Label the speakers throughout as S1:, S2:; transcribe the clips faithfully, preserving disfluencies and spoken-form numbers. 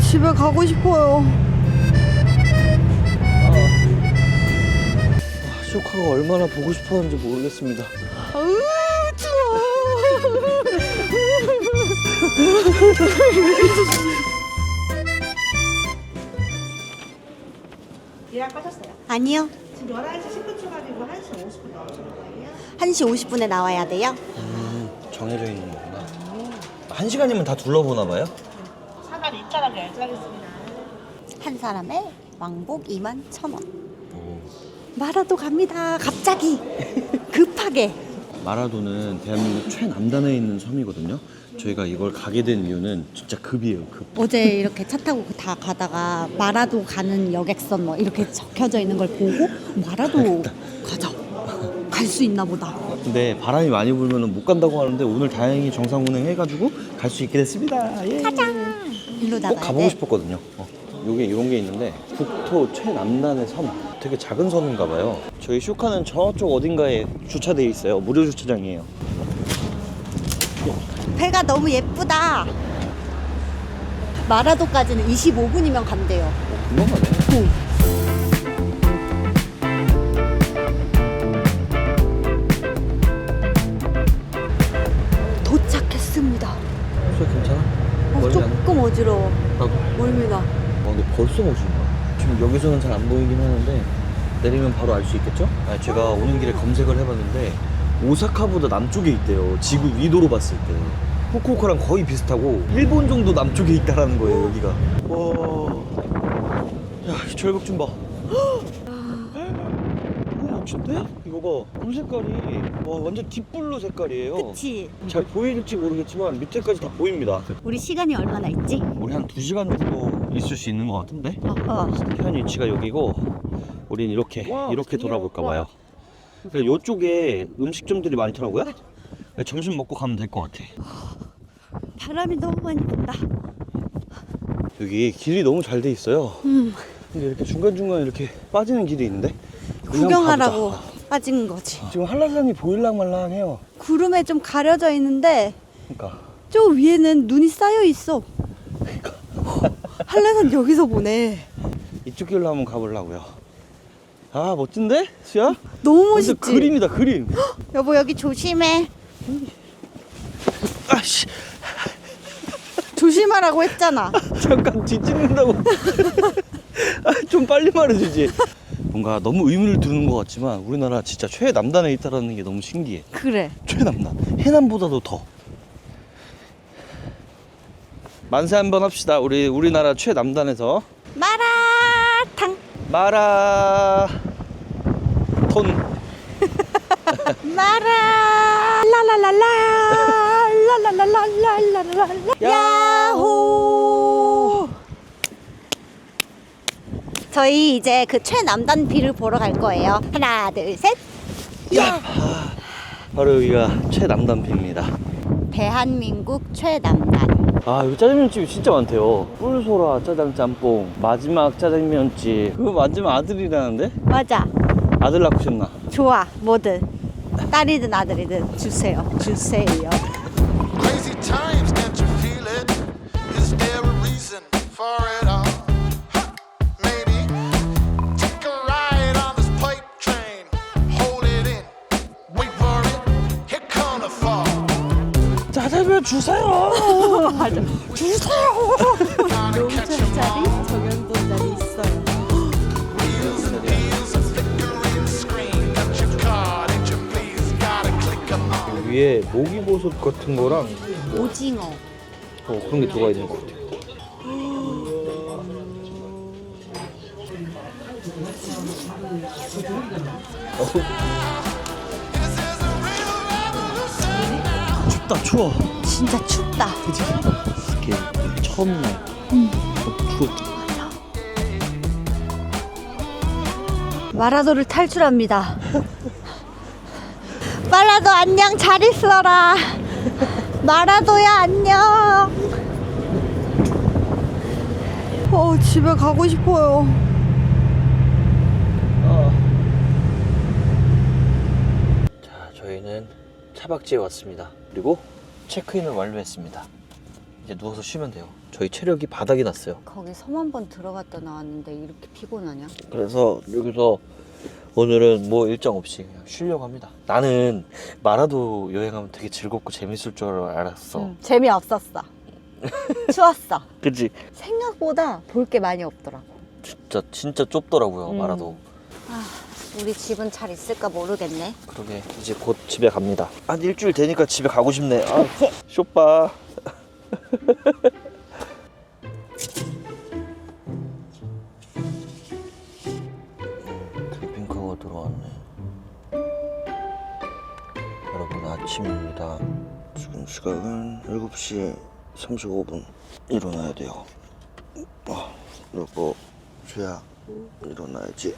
S1: 집에 가고 싶어요.
S2: 아, 쇼카가 얼마나 보고 싶었는지 모르겠습니다.
S1: 아우 추워.
S3: 예약하셨어요?
S1: 아니요.
S3: 지금 열한 시 십 분 출발이고 한 시 오십 분 나오시는 거예요?
S1: 한 시 오십 분에 나와야 돼요?
S2: 음, 정해져 있는 거구나. 한 시간이면 다 둘러보나 봐요?
S3: 사단 입장하고 결제하겠습니다.
S1: 한 사람에 왕복 이만 천 원.
S2: 오.
S1: 마라도 갑니다. 갑자기 급하게.
S2: 마라도는 대한민국 최남단에 있는 섬이거든요. 저희가 이걸 가게 된 이유는 진짜 급이에요, 급.
S1: 어제 이렇게 차 타고 다 가다가 마라도 가는 여객선 뭐 이렇게 적혀져 있는 걸 보고 마라도 가자. 갈 수 있나 보다.
S2: 근데 바람이 많이 불면 못 간다고 하는데 오늘 다행히 정상 운행해가지고 갈 수 있게 됐습니다. 예.
S1: 가자. 일로
S2: 꼭
S1: 나가야
S2: 가보고
S1: 돼.
S2: 싶었거든요. 어. 요게 이런 게 있는데 국토 최남단의 섬. 되게 작은 섬인가 봐요. 저희 쇼카는 저쪽 어딘가에 주차돼 있어요. 무료 주차장이에요.
S1: 배가 너무 예쁘다. 마라도까지는 이십오 분이면 간대요.
S2: 어, 금방 가네.
S1: 도착했습니다.
S2: 소리 괜찮아?
S1: 어,
S2: 멀미 안 나?
S1: 조금 어지러워.
S2: 나도.
S1: 멀미나.
S2: 아, 근데 벌써 멋있나? 지금 여기서는 잘 안 보이긴 하는데 내리면 바로 알 수 있겠죠? 아, 제가 오는 길에 검색을 해봤는데 오사카보다 남쪽에 있대요. 지구 위도로 봤을 때. 후쿠오카랑 거의 비슷하고 일본 정도 남쪽에 있다라는 거예요, 여기가. 와, 야, 이 절벽 좀 봐. 너무 멋진데? 이거 봐, 물 색깔이 와 완전 딥블루 색깔이에요.
S1: 그치?
S2: 잘 보일지 모르겠지만 밑에까지 다 보입니다.
S1: 우리 시간이 얼마나 있지?
S2: 우리 한 두 시간 정도 있을 수 있는 것 같은데?
S1: 어허.
S2: 현 위치가 여기고 우린 이렇게
S3: 와,
S2: 이렇게
S3: 드디어.
S2: 돌아볼까 봐요. 그래서 이쪽에 음식점들이 많더라고요. 점심 먹고 가면 될 것 같아.
S1: 바람이 너무 많이 분다.
S2: 여기 길이 너무 잘 돼 있어요.
S1: 음,
S2: 근데 이렇게 중간중간 이렇게 빠지는 길이 있는데 여기 한번
S1: 구경하라고
S2: 가보자.
S1: 빠진 거지.
S2: 지금 한라산이 보일랑말랑해요.
S1: 구름에 좀 가려져 있는데
S2: 그러니까
S1: 저 위에는 눈이 쌓여 있어.
S2: 그러니까
S1: 한라산 여기서 보네.
S2: 이쪽 길로 한번 가보려고요. 아 멋진데? 수야?
S1: 너무
S2: 완전
S1: 멋있지?
S2: 그림이다 그림.
S1: 여보 여기 조심해.
S2: 아씨
S1: 조심하라고 했잖아.
S2: 잠깐 뒤집는다고. 아, 좀 빨리 말해주지. 뭔가 너무 의미를 두는 것 같지만 우리나라 진짜 최남단에 있다는 게 너무 신기해.
S1: 그래.
S2: 최남단. 해남보다도 더. 만세 한번 합시다. 우리 우리나라 최남단에서
S1: 마라탕.
S2: 마라 톤.
S1: 마라 라라라라 라라라라라라라라 야호. 저희 이제 그 최남단 비를 보러 갈 거예요. 하나 둘 셋. 야.
S2: 바로 여기가 최남단비입니다.
S1: 대한민국 최남단.
S2: 아 여기 짜장면집이 진짜 많대요. 꿀소라 짜장 짬뽕, 마지막 짜장면집. 그거 마지막 아들이라는데?
S1: 맞아.
S2: 아들 낳고 싶나?
S1: 좋아. 뭐든 딸이든 아들이든 주세요. 주세요.
S4: Crazy times, can't you feel it? Is there a reason for it all? Huh, maybe take a ride on this pipe train. Hold it in, wait for it. Here come the fall.
S2: 짜장면 주세요.
S1: 맞아. 주세요. 농촌 자리, 정연도 자리 있어요.
S4: Wheels and deals, a flickering screen. Got your card, ain't you please? Gotta click 'em on.
S2: 위에 모기버섯 같은 거랑
S1: 오징어.
S2: 어, 그런 게 들어가 있는 것 같아요. 춥다 추워.
S1: 진짜 춥다.
S2: 그치? 이렇게 처음 날. 응. 어, 추워.
S1: 마라도를 탈출합니다. 마라도 안녕, 잘 있어라. 마라도야 안녕. 어 집에 가고 싶어요.
S2: 어. 자, 저희는 차박지에 왔습니다. 그리고 체크인을 완료했습니다. 이제 누워서 쉬면 돼요. 저희 체력이 바닥이 났어요.
S1: 거기 섬 한 번 들어갔다 나왔는데 이렇게 피곤하냐?
S2: 그래서 여기서 오늘은 뭐 일정 없이 그냥 쉬려고 합니다. 나는 마라도 여행하면 되게 즐겁고 재밌을 줄 알았어.
S1: 응, 재미없었어. 추웠어.
S2: 그치?
S1: 생각보다 볼 게 많이 없더라고.
S2: 진짜 진짜 좁더라고요.
S1: 음.
S2: 마라도.
S1: 아, 우리 집은 잘 있을까 모르겠네.
S2: 그러게 이제 곧 집에 갑니다. 한 일주일 되니까 집에 가고 싶네. 아, 쇼빠. 캠핑카가 들어왔네. 여러분 아침입니다. 지금 시각은 일곱 시 삼십오 분. 일어나야 돼요. 아, 여보, 수야, 일어나야지.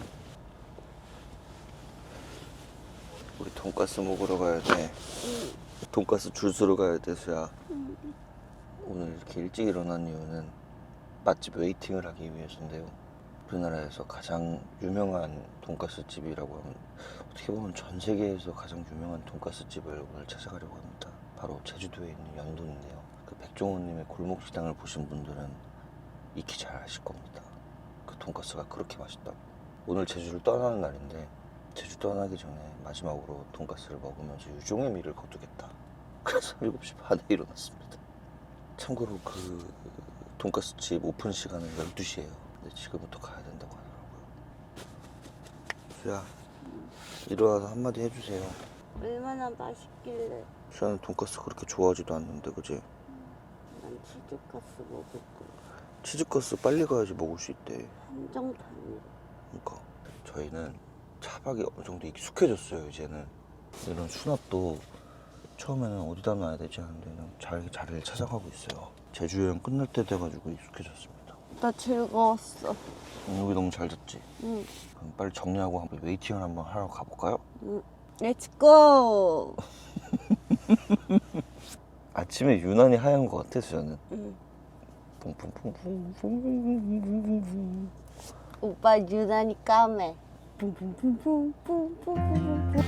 S2: 우리 돈가스 먹으러 가야 돼. 돈가스 줄 서러 가야 돼, 수야. 오늘 이렇게 일찍 일어난 이유는 맛집 웨이팅을 하기 위해서인데요. 우리나라에서 가장 유명한 돈가스 집이라고 하면 어떻게 보면 전 세계에서 가장 유명한 돈가스 집을 오늘 찾아가려고 합니다. 바로 제주도에 있는 연돈인데요. 그 백종원님의 골목식당을 보신 분들은 익히 잘 아실 겁니다. 그 돈가스가 그렇게 맛있다고. 오늘 제주를 떠나는 날인데 제주 떠나기 전에 마지막으로 돈가스를 먹으면서 유종의 미를 거두겠다. 그래서 일곱 시 반에 일어났습니다. 참고로 그 돈가스 집 오픈 시간은 열두 시예요. 근데 지금부터 가야 된다고 하더라고요. 수야, 일어나서 한마디 해주세요.
S1: 얼마나 맛있길래.
S2: 수야는 돈가스 그렇게 좋아하지도 않는데, 그지?
S1: 난 치즈가스 먹을 거.
S2: 치즈가스 빨리 가야지 먹을 수 있대.
S1: 한정판으로.
S2: 그러니까 저희는 차박이 어느 정도 익숙해졌어요. 이제는 이런 수납도 처음에는 어디다 놔야 되지 하는데 그냥 잘 자리를 찾아가고 있어요. 제주 여행 끝날 때 돼가지고 익숙해졌습니다.
S1: 나 즐거웠어.
S2: 여기 너무 잘 잤지?
S1: 응.
S2: 그럼 빨리 정리하고 한번 웨이팅을 한번 하러 가볼까요?
S1: 응. 렛츠고.
S2: 아침에 유난히 하얀 것 같아, 수야는.
S1: 응.
S2: 뿡뿡뿡뿡뿡뿡뿡뿡뿡.
S1: 오빠 유난히 까매. 뿡뿡뿡뿡뿡뿡뿡뿡.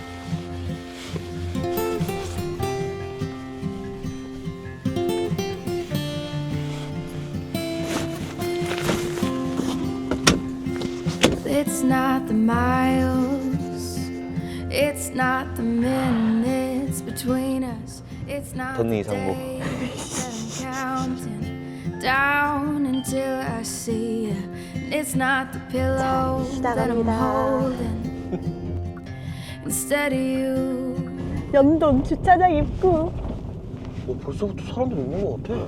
S5: It's not the miles, it's not the minutes between us, it's not
S2: 덧니
S5: the
S2: 이상복.
S5: days that I'm counting down until I see you, and it's not the pillow that I'm holding instead of you.
S1: 연돈 주차장 입구.
S2: 어, 벌써부터 사람들 있는 것 같아.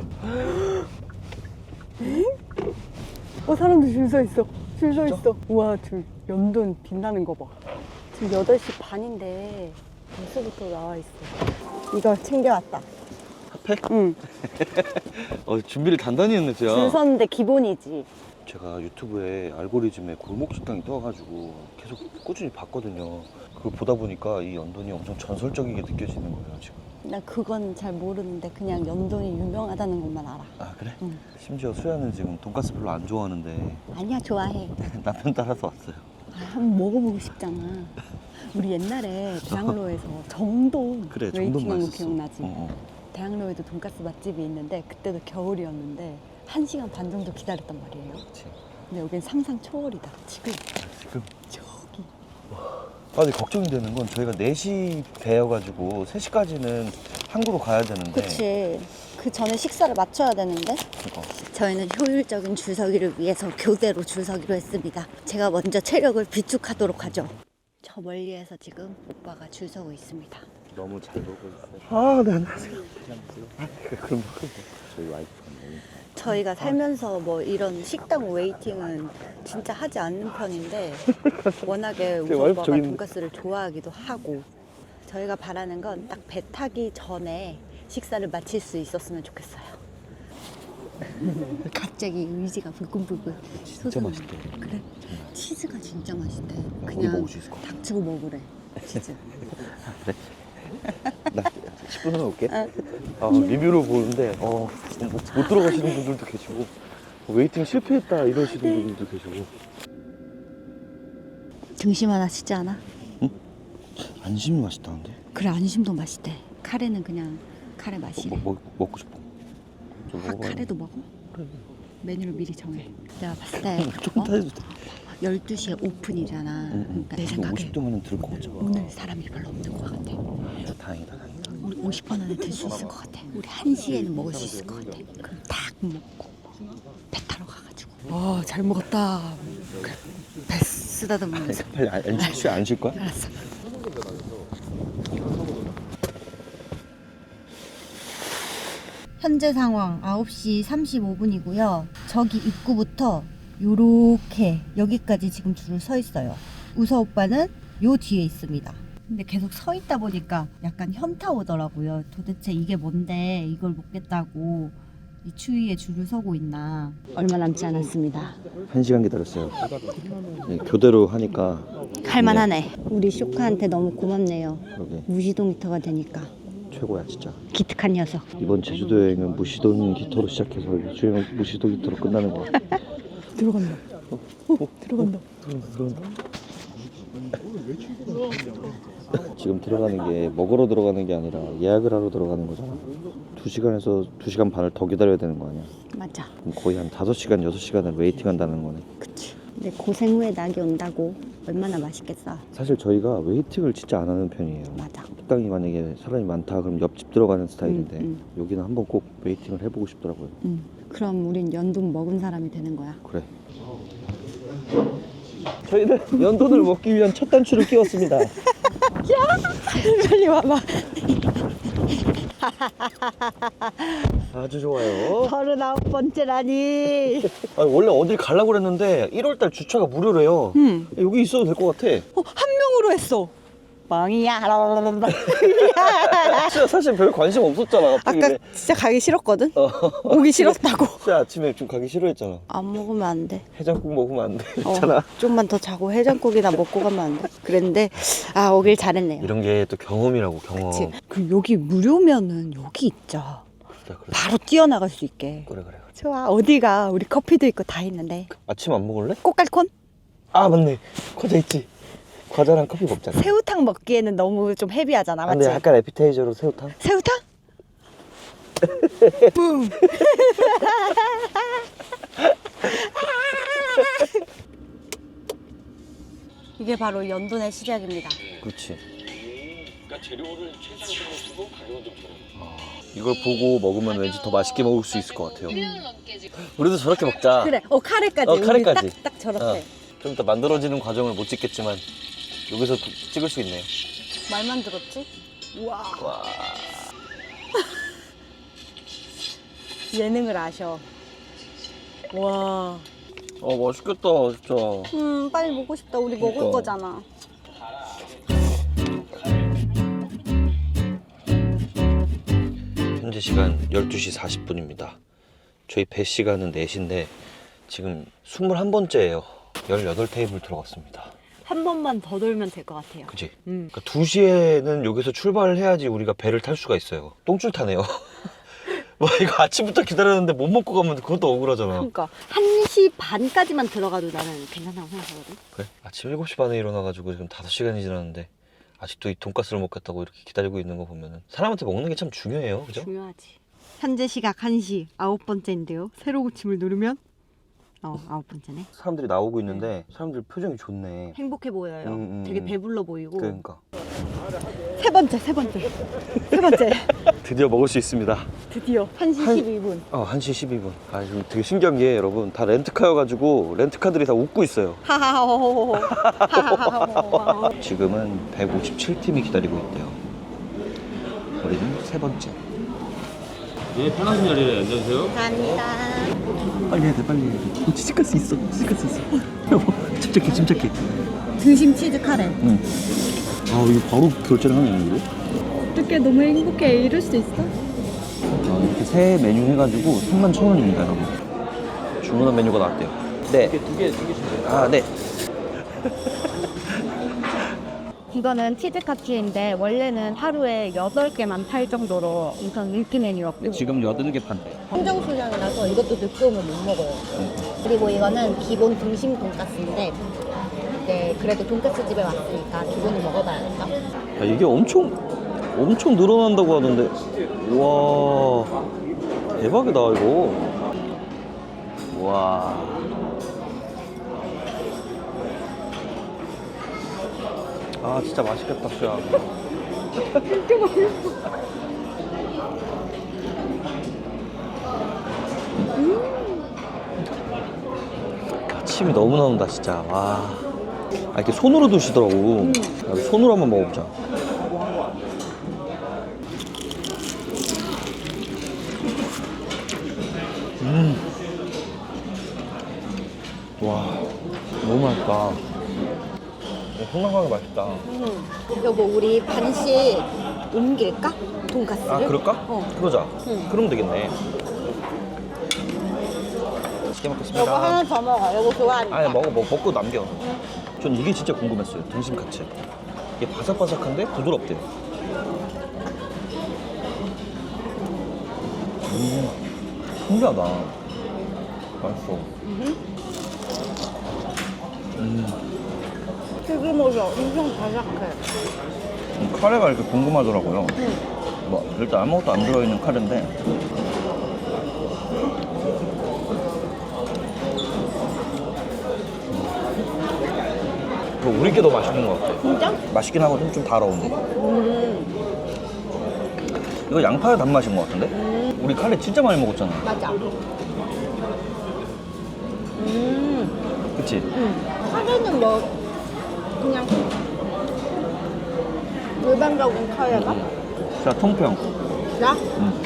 S1: 어, 사람들 줄 서 있어. 줄 서 있어. 우와, 줄. 연돈 빛나는 거 봐. 지금 여덟 시 반인데 벌써부터 나와 있어. 이거 챙겨왔다.
S2: 핫팩?
S1: 응.
S2: 어, 준비를 단단히 했네, 수야.
S1: 줄 섰는데 기본이지.
S2: 제가 유튜브에 알고리즘에 골목식당이 떠가지고 계속 꾸준히 봤거든요. 그걸 보다 보니까 이 연돈이 엄청 전설적이게 느껴지는 거예요, 지금.
S1: 나 그건 잘 모르는데 그냥 연돈이 유명하다는 것만 알아.
S2: 아, 그래?
S1: 응.
S2: 심지어 수야는 지금 돈가스 별로 안 좋아하는데
S1: 아니야, 좋아해.
S2: 남편 따라서 왔어요.
S1: 아, 한번 먹어보고 싶잖아. 우리 옛날에 대학로에서 정돈
S2: 그래, 정돈
S1: 웨이팅한 거
S2: 맛있었어.
S1: 기억나지?
S2: 어, 어.
S1: 대학로에도 돈가스 맛집이 있는데 그때도 겨울이었는데 한 시간 반 정도 기다렸단 말이에요.
S2: 그치.
S1: 근데 여긴 상상 초월이다. 지금
S2: 지금.
S1: 저기.
S2: 아, 근데 걱정이 되는 건 저희가 네 시 배여가지고 세 시까지는 항구로 가야 되는데.
S1: 그치. 그 전에 식사를 맞춰야 되는데
S2: 어.
S1: 저희는 효율적인 줄서기를 위해서 교대로 줄서기로 했습니다. 제가 먼저 체력을 비축하도록 하죠. 저 멀리에서 지금 오빠가 줄 서고 있습니다.
S2: 너무 잘 보고 있어요. 아, 네, 안녕하세요. 아, 그럼 저희 와이프가 너무.
S1: 저희가 살면서 뭐 이런 식당 웨이팅은 진짜 하지 않는 편인데 워낙에 우리
S2: 와이프
S1: 오빠가
S2: 저기 있는데.
S1: 돈가스를 좋아하기도 하고 저희가 바라는 건 딱 배 타기 전에 식사를 마칠 수 있었으면 좋겠어요. 갑자기 의지가 불끈불끈
S2: 진짜
S1: 솟아나.
S2: 맛있대.
S1: 그래? 치즈가 진짜 맛있대.
S2: 우리
S1: 그냥
S2: 먹을 수 있을 것 같아.
S1: 닥치고 먹으래. 치즈.
S2: 나 십 분 후에 올게. 아, 리뷰를 보는데 어, 못, 못 들어가시는 분들도 계시고 웨이팅 실패했다 이러시는 분들도 계시고.
S1: 등심 하나 시지 않아?
S2: 안심이 맛있다는데?
S1: 그래, 안심도 맛있대. 카레는 그냥 카레 맛이래.
S2: 뭐, 뭐, 먹고 싶어. 좀
S1: 아,
S2: 먹어봐요.
S1: 카레도 먹어? 메뉴를 미리 정해. 내가 봤을 때
S2: 조금
S1: 어?
S2: 더 해도 돼.
S1: 열두 시에 오픈이잖아. 그러니까 내 생각에
S2: 오십 도면 들고 오자.
S1: 오늘 사람이 별로 없는 것 같아.
S2: 다행이다, 다행이다.
S1: 우리 오십 분 안에 들 수 있을 것 같아. 우리 한 시에는 먹을 수 있을 것 같아. 그럼 딱 먹고 배 타러 가가지고. 와, 잘 먹었다. 그래, 배 쓰다듬으면서.
S2: 빨리 안, 안, 쉴, 안 쉴 거야?
S1: 알았어.
S6: 현재 상황 아홉 시 삼십오 분이고요. 저기 입구부터 요렇게 여기까지 지금 줄을 서 있어요. 우서 오빠는 요 뒤에 있습니다. 근데 계속 서 있다 보니까 약간 현타 오더라고요. 도대체 이게 뭔데 이걸 먹겠다고 이 추위에 줄을 서고 있나.
S1: 얼마 남지 않았습니다.
S2: 한 시간 기다렸어요. 네, 교대로 하니까
S6: 할만하네. 우리 쇼카한테 너무 고맙네요.
S2: 그러게
S6: 무시동 히터가 되니까.
S2: 최고야 진짜.
S6: 기특한 녀석.
S2: 이번 제주도 여행은 무시동 기터로 시작해서 주행은 무시동 기터로 끝나는 거 같아.
S1: 들어간다. 어, 들어간다.
S2: 지금 들어가는 게 먹으러 들어가는 게 아니라 예약을 하러 들어가는 거잖아. 두 시간에서 두 시간 반을 더 기다려야 되는 거 아니야?
S6: 맞아.
S2: 그럼 거의 한 다섯 시간, 여섯 시간을 웨이팅 한다는 거네.
S6: 그치. 근데 고생 후에 낙이 온다고 얼마나 맛있겠어.
S2: 사실 저희가 웨이팅을 진짜 안 하는 편이에요.
S6: 맞아.
S2: 식당이 만약에 사람이 많다 그럼 옆집 들어가는 스타일인데
S6: 음,
S2: 여기는 한번 꼭 웨이팅을 해보고 싶더라고요.
S6: 응. 그럼 우린 연돈 먹은 사람이 되는 거야.
S2: 그래. 저희는 연돈을 먹기 위한 첫 단추를 끼웠습니다.
S1: 빨리 와봐.
S2: 아주 좋아요.
S6: 서른아홉 번째라니.
S2: 아니, 원래 어딜 가려고 그랬는데 일월달 주차가 무료래요.
S1: 응.
S2: 여기 있어도 될 것 같아.
S1: 어, 한 명으로 했어. 망이야.
S2: 진짜 사실 별 관심 없었잖아. 갑자기
S1: 아까
S2: 왜-
S1: 진짜 가기 싫었거든?
S2: 어.
S1: 오기 싫었다고.
S2: 진짜 아침에 좀 가기 싫어했잖아.
S6: 안 먹으면 안 돼.
S2: 해장국 먹으면 안 돼.
S6: 어,
S2: 있잖아.
S6: 좀만 더 자고 해장국이나 먹고 가면 안 돼. 그랬는데 아 오길 잘했네요.
S2: 이런 게 또 경험이라고 경험.
S1: 그치. 그 여기 무료면은 여기 있자.
S2: 그래 그래.
S1: 바로 뛰어나갈 수 있게.
S2: 그래 그래.
S1: 좋아. 어디가 우리 커피도 있고 다 있는데.
S2: 아침 안 먹을래?
S1: 꽃갈콘?
S2: 아 맞네. 과자 있지. 과자랑 커피 먹잖아.
S1: 새우탕 먹기에는 너무 좀 헤비하잖아. 맞지?
S2: 근데 약간 에피타이저로 새우탕?
S1: 새우탕? 붐.
S6: 이게 바로 연돈의 시작입니다.
S2: 그렇지. 그러니까 재료를 최상으로 쓰고 가격은 좀 저렴. 아, 이걸 보고 먹으면 왠지 더 맛있게 먹을 수 있을 것 같아요. 우리도 저렇게 먹자.
S6: 그래. 어 카레까지.
S2: 어, 카레까지.
S6: 딱, 딱 저렇게.
S2: 어, 좀 이따 만들어지는 과정을 못 찍겠지만 여기서 도- 찍을 수 있네요.
S6: 말만 들었지?
S1: 와.
S2: 와.
S1: 예능을 아셔. 와.
S2: 어 맛있겠다 진짜.
S6: 음 빨리 먹고 싶다. 우리
S2: 그러니까.
S6: 먹을 거잖아.
S2: 현재 시간 열두 시 사십 분입니다. 저희 배 시간은 네 시인데 지금 스물한 번째예요. 열여덟 테이블 들어갔습니다.
S1: 한 번만 더 돌면 될 것 같아요.
S2: 그치?
S1: 음.
S2: 그러니까 두 시에는 여기서 출발을 해야지 우리가 배를 탈 수가 있어요. 똥줄 타네요. 뭐 이거 아침부터 기다렸는데 못 먹고 가면 그것도 억울하잖아.
S6: 그러니까 한 시 반까지만 들어가도 나는 괜찮다고 생각하거든.
S2: 그래? 아침 일곱 시 반에 일어나가지고 지금 다섯 시간이 지났는데 아직도 이 돈가스를 먹겠다고 이렇게 기다리고 있는 거 보면은 사람한테 먹는 게 참 중요해요. 그죠?
S6: 중요하지. 현재 시각 한 시 아홉 번째인데요. 세로 고침을 누르면 어 아홉 번째네.
S2: 사람들이 나오고 있는데 사람들 표정이 좋네.
S6: 행복해 보여요.
S2: 음, 음,
S6: 되게
S2: 음.
S6: 배불러 보이고.
S2: 그러니까
S1: 세 번째, 세 번째. 세 번째.
S2: 드디어 먹을 수 있습니다.
S1: 드디어. 한 시
S2: 한-
S1: 십이 분.
S2: 어, 한 시 십이 분. 아, 지금 되게 신기한 게 여러분 다 렌트카여가지고 렌트카들이 다 웃고 있어요.
S1: 하하호호호. 하하호호.
S2: 지금은 백오십칠 팀이 기다리고 있대요. 우리는 세 번째.
S7: 네, 편하신 자리에 앉아주세요.
S2: 빨리 해야 돼, 빨리 해야 돼. 어, 취직할 수 있어, 취직할 수 있어. 여보, 침착해, 침착해.
S6: 등심 치즈 카레.
S2: 응. 아, 이거 바로 결제를 하네, 이거.
S1: 어떻게 너무 행복해. 이럴 수 있어?
S2: 아, 이렇게 세 메뉴 해가지고 삼만 천 원입니다, 여러분. 주문한 메뉴가 나왔대요. 네.
S7: 두 개, 두 개씩 돼요.
S2: 아, 네.
S6: 이거는 치즈 카츠인데 원래는 하루에 여덟 개만 팔 정도로 엄청 인기 메뉴였고
S2: 지금 여덟 개 판대.
S6: 청정수량이라서 이것도 늦게 오면 못 먹어요. 그리고 이거는 기본 등심 돈가스인데 네, 그래도 돈가스 집에 왔으니까 기본을 먹어봐야겠다.
S2: 야, 이게 엄청, 엄청 늘어난다고 하던데. 와, 대박이다, 이거. 와. 아 진짜 맛있겠다 수야.
S1: 진짜 맛있어.
S2: 아, 침이 너무 나온다 진짜. 와. 아 이렇게 손으로 드시더라고. 음. 손으로 한번 먹어보자. 음. 와 너무 맛있다. 생각하기 맛있다.
S6: 음. 여보 우리 반씩 옮길까? 돈가스를?
S2: 아 그럴까?
S6: 어.
S2: 그러자.
S6: 응.
S2: 그러면 되겠네. 맛있게 먹겠습니다.
S6: 여보 하나 더 먹어. 여보 좋아하니까.
S2: 아니 먹어 먹, 먹고 남겨. 전 이게 진짜 궁금했어요. 등심 카츠. 이게 바삭바삭한데 부드럽대요. 음, 신기하다. 맛있어. 음.
S6: 튀김옷이 엄청 바삭해.
S2: 음, 카레가 이렇게 궁금하더라고요. 뭐 일단 아무것도 안 들어있는 카레인데. 우리 게 더 맛있는 것 같아.
S6: 진짜?
S2: 맛있긴 하거든. 좀 달아오네.
S6: 음.
S2: 이거 양파의 단맛인 것 같은데?
S6: 음.
S2: 우리 카레 진짜 많이 먹었잖아.
S6: 맞아. 음.
S2: 그치?
S6: 음. 카레는 뭐 그냥 일반적인 카레가?
S2: 자, 통평.
S6: 나?
S2: 음.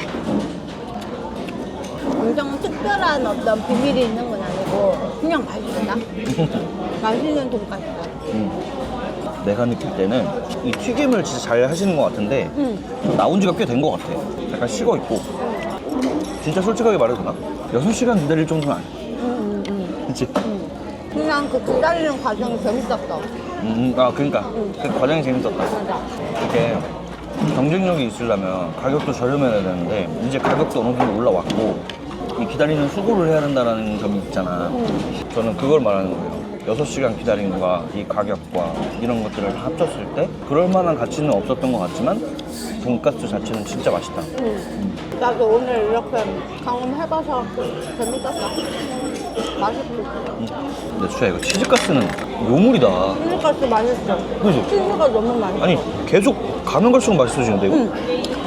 S6: 엄청 특별한 어떤 비밀이 있는 건 아니고 그냥 맛있다. 맛있는 돈가스.
S2: 음. 내가 느낄 때는 이 튀김을 진짜 잘 하시는 것 같은데
S6: 응.
S2: 나온 지가 꽤 된 것 같아. 약간 식어 있고. 진짜 솔직하게 말해도 되나? 여섯 시간 기다릴 정도는 아니야.
S6: 응, 응,
S2: 그치?
S6: 응. 그냥 그 기다리는 과정이 재밌었어.
S2: 음, 아, 그러니까. 그 과정이 재밌었다.
S6: 맞아.
S2: 이렇게 경쟁력이 있으려면 가격도 저렴해야 되는데 이제 가격도 어느 정도 올라왔고 이 기다리는 수고를 해야 된다는 점이 있잖아. 저는 그걸 말하는 거예요. 여섯 시간 기다림과 이 가격과 이런 것들을 다 합쳤을 때 그럴 만한 가치는 없었던 것 같지만 돈가스 자체는 진짜 맛있다.
S6: 응. 나도 오늘 이렇게 경험해봐서 재밌었어. 맛있고.
S2: 음. 근데 수야 이거 치즈가스는 요물이다.
S6: 치즈가스 맛있어.
S2: 그지?
S6: 치즈가 너무 맛있어.
S2: 아니 계속 가면 갈수록 맛있어지는데 이거?
S6: 응.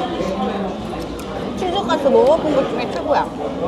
S6: 치즈가스 먹어본 것 중에 최고야.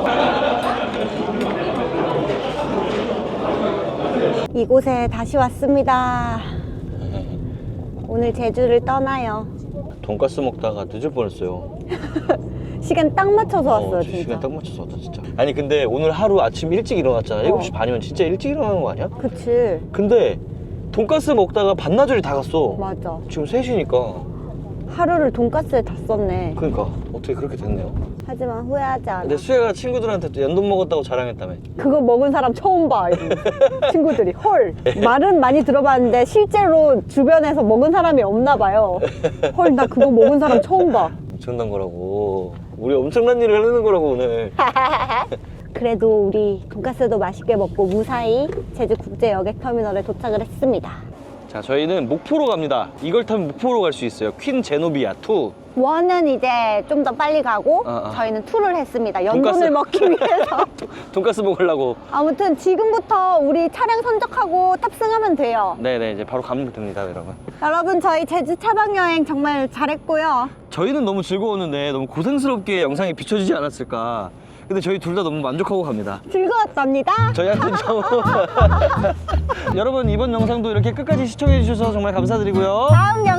S6: 이곳에 다시 왔습니다. 오늘 제주를 떠나요.
S2: 돈가스 먹다가 늦을 뻔했어요.
S6: 시간 딱 맞춰서 왔어요,
S2: 어,
S6: 진짜.
S2: 시간 딱 맞춰서 왔다 진짜. 아니 근데 오늘 하루 아침 일찍 일어났잖아. 일곱 시 반이면 진짜 일찍 일어나는 거 아니야?
S6: 그치.
S2: 근데 돈가스 먹다가 반나절이 다 갔어.
S6: 맞아.
S2: 지금 세 시니까.
S6: 하루를 돈가스에 다 썼네.
S2: 그러니까 어떻게 그렇게 됐네요.
S6: 하지만 후회하지 않아.
S2: 근데 수혜가 친구들한테 또 연돈 먹었다고 자랑했다며.
S6: 그거 먹은 사람 처음 봐. 이러면서. 친구들이 헐. 말은 많이 들어봤는데 실제로 주변에서 먹은 사람이 없나 봐요. 헐, 나 그거 먹은 사람 처음 봐.
S2: 엄청난 거라고. 우리 엄청난 일을 해내는 거라고 오늘.
S6: 그래도 우리 돈가스도 맛있게 먹고 무사히 제주국제여객터미널에 도착을 했습니다.
S2: 자, 저희는 목포로 갑니다. 이걸 타면 목포로 갈 수 있어요. 퀸 제노비아 투.
S6: 원은 이제 좀 더 빨리 가고
S2: 어, 어.
S6: 저희는 투를 했습니다. 연돈을
S2: 돈가스.
S6: 먹기 위해서.
S2: 돈가스 먹으려고.
S6: 아무튼 지금부터 우리 차량 선적하고 탑승하면 돼요.
S2: 네네, 이제 바로 가면 됩니다, 여러분.
S6: 여러분 저희 제주 차박여행 정말 잘했고요.
S2: 저희는 너무 즐거웠는데 너무 고생스럽게 영상이 비춰지지 않았을까. 근데 저희 둘 다 너무 만족하고 갑니다.
S6: 즐거웠답니다.
S2: 저희한테는 좀 여러분 이번 영상도 이렇게 끝까지 시청해 주셔서 정말 감사드리고요.
S6: 다음